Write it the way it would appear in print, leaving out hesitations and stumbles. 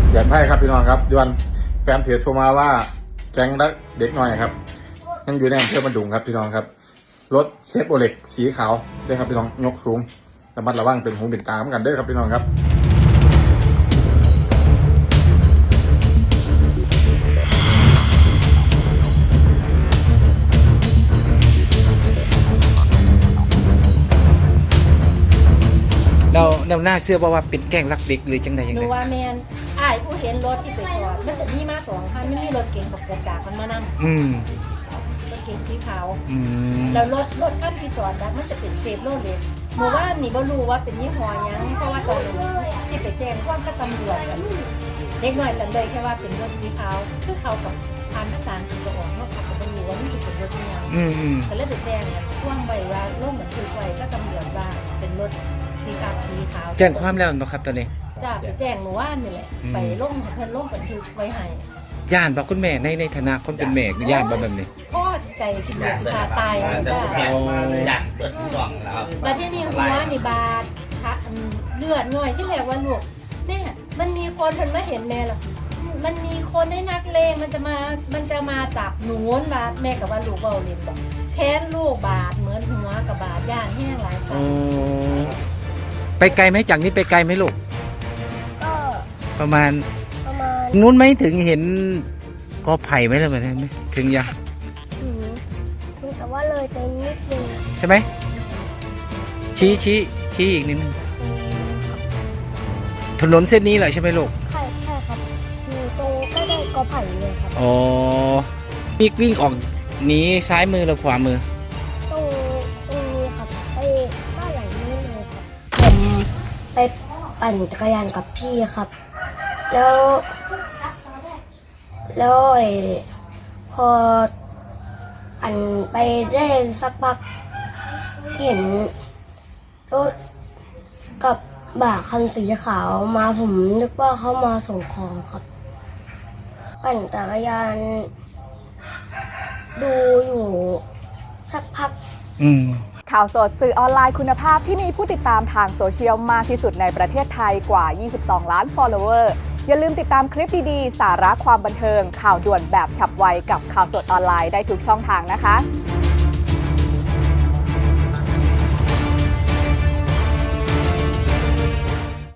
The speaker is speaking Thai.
อยากให้ครับพี่น้องครับยวนแฟนเพจโทรมาว่าแก๊งเด็กน้อยครับยังอยู่ในอำเภอบันดุงครับพี่น้องครับรถเชฟโรเล็กสีขาวด้วยครับพี่น้องยกสูงระมัดระวังเป็นหูเป็นตาเหมือนกันด้วยครับพี่น้องครับเราหน้าเสื้อว่าเป็นแกล้งรักเด็กหรือจังใดยังหนูไงว่าแมนอ้ายผู้เห็นรถที่ไปจอดมันจะมีมา2 คันไม่มีรถเก๋งกับกระดาษมันมานำอืมรถเก๋งสีขาวอืมแล้วรถคันที่จอดแล้วมันจะเป็นเซฟโรเลสเมื่อวานนี่บ่รู้ว่าเป็นยี่ห้อหยังเพราะว่าตอนที่ไปแจ้งความกับตำรวจกันเด็กน้อยจำได้แค่ว่าเป็นรถสีขาวคือเขากับอ่านภาษาอังกฤษก็ออกเนาะเขาก็บ่รู้ว่ามันสิเป็นรถอิหยังอืมก็เลยไปแจ้งเนี่ยพ่วงใบว่าลงบันทึกไว้ก็ตำรวจว่าเป็นรถปิกอัพสีขาวแจ้งความแล้วเนาะครับตอนนี้จ้าไปแจ้งเมื่อวานนี่แหละ ไปลงเพิ่นลงบันทึกไว้ให้ย่านบอกคุณแม่ในฐานะคนเป็นแม่ย่านบอกแบบนี้พ่อใจสิเหลือจะขาตายเลยจ้าจัดเปิดกล่องแล้วมาที่นี่หัวนี่บาดคะเลือดง่อยที่แรกว่าลูกเนี่ยมันมีคนเพิ่นมาเห็นแม่หรอมันมีคนให้นักเลงมันจะมาจับหนูนบาดแม่กับว่าลูกเบาเล่นบอกแค้นลูกบาดเหมือนหัวกับบาดย่านแห้งหลายสัอ๋นอไปไกลไหมจากนี้ไปไกลไหมลูกก็ประมาณประมาณนู้นไหมถึงเห็นกอไผ่ไหมล่ะแบบนั้นไหมถึงยังแต่ว่าเลยไปนิดนึงใช่ไหมชี้อีกนิดนึงถนนเส้นนี้แหละใช่ไหมลูกใช่ครับอยู่ตรงใกล้ๆกอไผ่เลยครับอ๋อวิ่งออกหนีซ้ายมือหรือขวามือตรงนี้ครับไปบ้านหลังนี้เลยครับผมไปปั่นจักรยานกับพี่ครับ แล้วพอปั่นไปได้สักพักเห็นรถกับบ่าคันสีขาวมาผมนึกว่าเขามาส่งของครับปั่นจักรยานดูอยู่สักพักข่าวสดสื่อออนไลน์คุณภาพที่มีผู้ติดตามทางโซเชียลมากที่สุดในประเทศไทยกว่า 22 ล้าน follower อย่าลืมติดตามคลิปดีๆ สาระความบันเทิง ข่าวด่วนแบบฉับไวกับข่าวสดออนไลน์ได้ทุกช่องทางนะคะ